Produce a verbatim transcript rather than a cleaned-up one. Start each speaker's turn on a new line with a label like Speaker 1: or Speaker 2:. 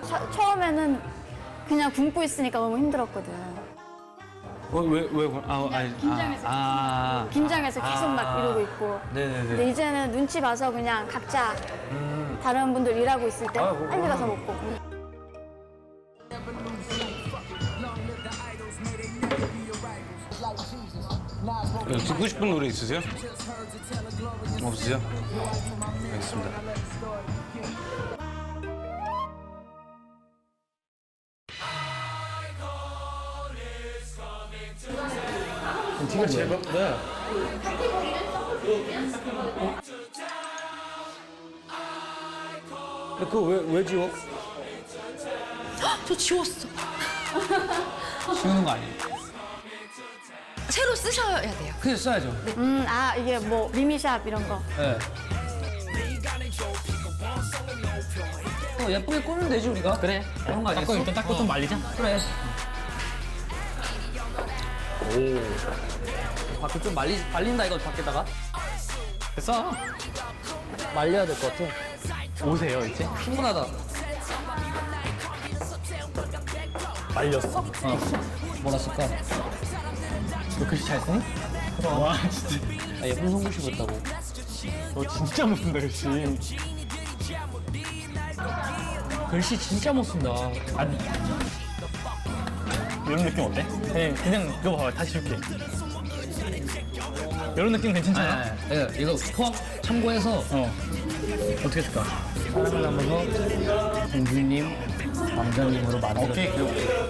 Speaker 1: 차, 처음에는 그냥 굶고 있으니까 너무 힘들었거든.
Speaker 2: 어, 왜, 왜, 아, 아니,
Speaker 1: 긴장해서
Speaker 2: 아,
Speaker 1: 긴장해서 계속 막
Speaker 2: 아.
Speaker 1: 이러고 있고.
Speaker 2: 네네네.
Speaker 1: 근데 이제는 눈치 봐서 그냥 각자
Speaker 2: 음.
Speaker 1: 다른 분들 일하고 있을 때
Speaker 2: 아, 뭐,
Speaker 1: 빨리 가서 먹고.
Speaker 2: 네, 듣고 싶은 노래 있으세요? 없으세요? 알겠습니다.
Speaker 3: 이거 제법 네.
Speaker 2: 그거 왜, 왜 지워?
Speaker 4: 저 지웠어.
Speaker 3: 지우는 거 아니에요?
Speaker 4: 새로 쓰셔야 돼요.
Speaker 3: 그냥 써야죠.
Speaker 1: 음, 아, 이게 뭐 미미샵 이런 거.
Speaker 3: 네. 어, 예쁘게 꾸면 되지 우리가. 그래. 그런 거 아니겠어?
Speaker 5: 닦고 일단 닦고 좀 말리자.
Speaker 3: 그래. 오. 밖에 좀 말리 말린다 이거 밖에다가.
Speaker 5: 됐어.
Speaker 3: 말려야 될 것 같아.
Speaker 5: 오세요 이제.
Speaker 3: 충분하다.
Speaker 5: 말렸어?
Speaker 3: 어. 뭐라 쓸까?
Speaker 5: 너 글씨 잘 쓰니? 와 진짜.
Speaker 3: 아, 예쁜 손글씨 봤다고.
Speaker 5: 너 진짜 못 쓴다 글씨. 글씨 진짜 못 쓴다. 아니. 이런 느낌 어때? 그냥, 그냥 그거 봐봐. 다시 줄게. 이런 느낌 괜찮잖아?
Speaker 3: 네, 네. 이거 포함 참고해서
Speaker 5: 어. 어떻게 줄까?
Speaker 3: 사랑을 담아서 공주님, 왕자님으로 만들어.
Speaker 5: 오케이, 그래, 오케이.